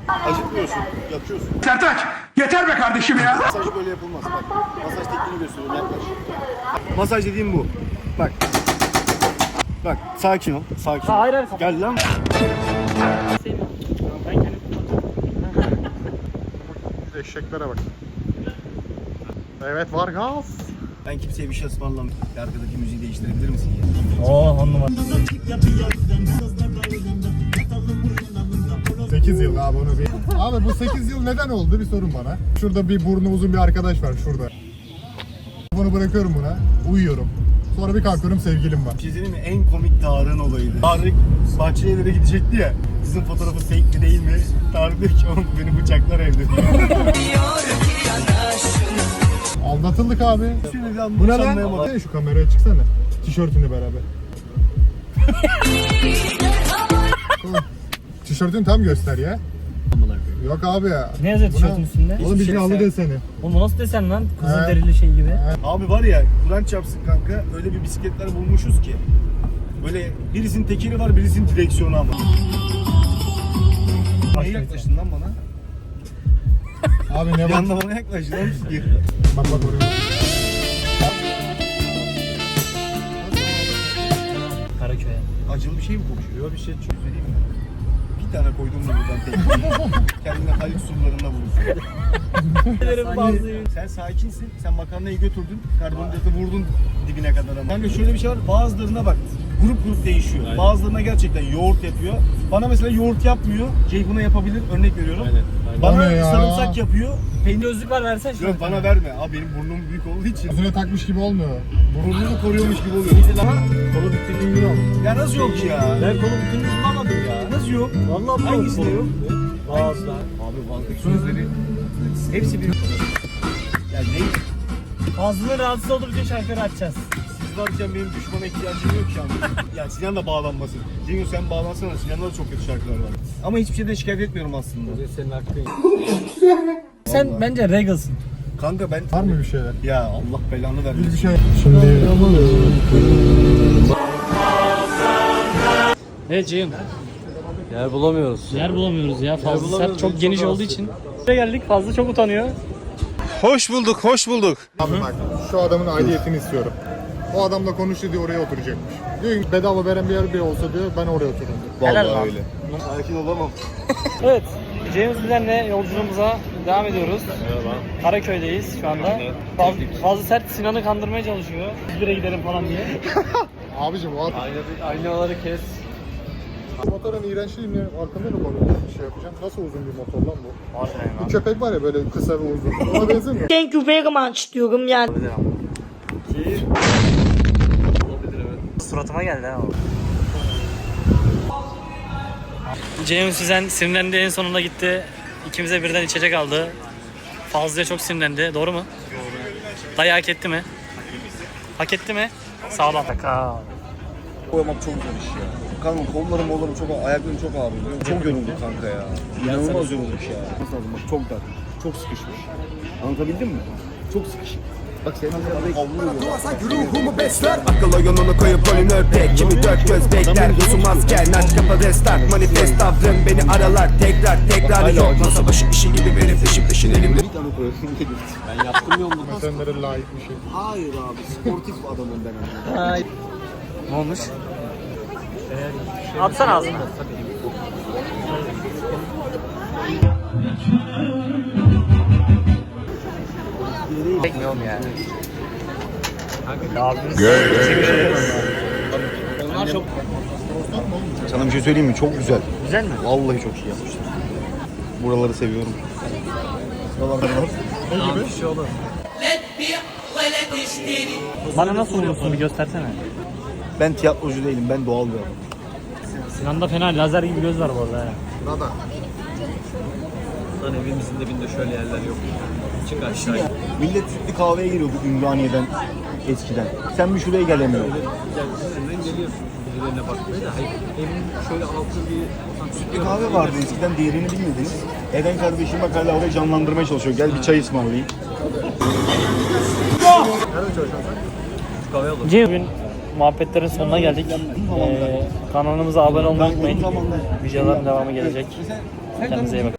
Acıtmıyorsun, yakıyorsun. Sertaç yeter be kardeşim ya. Masaj böyle yapılmaz. Bak, masaj tekniğini gösteriyorum, yaklaş. Masaj dediğim bu. Bak. Bak, sakin ol, sakin ol. Hayır hayır. Gel lan. Ben kendim Eşeklere bak. Evet, var gaz. Ben kimseye bir şey ısmarlamam. Arkadaki müziği değiştirebilir misin ya? Oo 10 numara. 8 yıl abi onu bir... Abi bu 8 yıl neden oldu bir sorun bana. Şurada bir burnu uzun bir arkadaş var şurada. Bunu bırakıyorum buna. Uyuyorum. Sonra bir kalkıyorum sevgilim var. Bir şey söyleyeyim mi? En komik Tarık'ın olayıydı. Tarık Bahçelievlere gidecekti ya. Kızın fotoğrafı fake mi değil mi? Tarık diyor ki oğlum beni bıçaklar evde. Aldatıldık abi. Sinirden Bu ne lan? Şu kameraya çıksana. Tişörtünü beraber. Tişörtünü tam göster ya. Yok abi ya. Ne yazıyor tişörtün üstünde? Oğlum bir halı deseni. Oğlum nasıl desen lan? Kızıl He. derili şey gibi. Abi var ya Kur'an çarpsın kanka öyle bir bisikletler bulmuşuz ki. Böyle birisinin tekeri var birisinin direksiyonu ama. Niye yaklaştın lan bana? Abi ne Bir bak. anda bana yaklaştın lan. Gir. Bak oraya. Karaköy'e. Acılı bir şey mi konuşuyor? Yok bir şey çözüleyim mi? Bir tane koydum mu buradan tekniği? Kendine Halit surlarında bulursun. Sen sakinsin. Sen makarnayı götürdün. Karbonhidratı vurdun dibine kadar ama. Kanka şöyle bir şey var. Bazılarına bak. Grup değişiyor. Aynen. Bazılarına gerçekten yoğurt yapıyor. Bana mesela yoğurt yapmıyor. Buna yapabilir. Örnek veriyorum. Aynen. Bana sarımsak yapıyor. Peynir gözlük var versen şunu. Yok bana verme. Abi benim burnum büyük olduğu için. Gözüne takmış gibi olmuyor. Burnunu koruyormuş gibi oluyor. Ama kolu bütünlüğü yok. Ya nasıl yok ya? Ben kolu bütünlüğünü bulamadım ya. Nasıl yok? Vallahi Hangisi de yok? Ağızlar. Abi vazdaki sözleri hepsi bir... Ya ne? Ağzının rahatsız olduğu bütün şarkıları açacağız. Siz varken benim düşmana ihtiyacım yok şu an. Ya Sinan da bağlanmasın. Cengiz sen bağlansana. Sinan'da da çok kötü şarkılar var. Ama hiçbir şeyden şikayet etmiyorum aslında. Senin hakkın. Sen bence regalsın. Kanka ben... Var mı bir şeyler? Ya Allah belanı vermesin. Bir şey. Şimdi Evet Ceyhun. Yer bulamıyoruz. Yer bulamıyoruz ya. Fazla sert çok geniş olduğu için. Buraya geldik. Fazla çok utanıyor. Hoş bulduk, hoş bulduk. abi bak şu adamın aidiyetini istiyorum. O adamla konuştu diye oraya oturacakmış. Diyor ki bedava veren bir yer bir olsa diyor ben oraya otururum diyor. Helal lan. Vallahi öyle. Sakin olamam. Evet. Ceyhun Bilen'le yolculuğumuza devam ediyoruz. Merhaba. Karaköy'deyiz şu anda. Fazla sert Sinan'ı kandırmaya çalışıyor. Biz bire gidelim falan diye. Abicim o adam. Aynaları kes. Motorun iğrençliğini arkamda mı konuyor? Bir şey yapacağım. Nasıl uzun bir motor lan bu? Harbiden Bir köpek var ya böyle kısa ve uzun. Ona benzemiyor. Thank you very much diyorum yani. Suratıma geldi ha o. Ceyhun Süzen sinirlendi, en sonunda gitti. İkimize birden içecek aldı. Fazlı'ya çok sinirlendi. Doğru mu? Doğru. Dayı hak etti mi? Hak etti mi? Sağlam. Koymak çok zor iş ya. Kanka kollarım çok, ayaklarım çok ağrıyor. Çok yorulduk kanka ya. İnanılmaz yorulduk ya. Nasıl lazım bak çok dar, çok sıkışmış. Anlatabildim mi? Çok sıkışık. Bak senin havluyor. Duvarsa ruhumu besler. Akıl oyununu koyup rolünü örtek. Kimi dört göz bekler. Uzun asker. Naç kapa destek. Manifest tavrım beni aralar. Tekrar yok. Masa başı işi gibi benim peşin elimde. Bir tane koyasın dedim. Ben yaptım yolunu. Mesenlere layık bir şey. Hayır abi sportif adamım ben. Ay. Ne olmuş? Atsana ağzına. Çekmiyorum yani. Onlar çok Sana bir şey söyleyeyim mi? Çok güzel. güzel mi? Vallahi çok iyi yapmışlar. Buraları seviyorum. Buralarda var. Ne gibi? Bir şey olur. Bana nasıl vurursun bir göstersene. Ben tiyatrocu değilim. Ben doğal bir adamım. Sinan'da fena lazer gibi göz var bu arada ya. Nada. Lan evimizin dibinde şöyle yerler yok. Çık aşağı. Millet sütlü kahveye geliyordu Ümraniye'den eskiden. Sen bir şuraya gelemiyorsun. Senden geliyorsun birilerine bakmaya da. Hayır, evin şöyle altı bir... Sütlü kahve vardı eskiden değerini bilmediniz. Eden kardeşim bak hala orayı canlandırmaya çalışıyor. Gel bir çay ısmarlayayım. Bugün muhabbetlerin sonuna geldik. Kanalımıza abone olmayı unutmayın. Videoların devamı gelecek. Kendinize iyi bakın.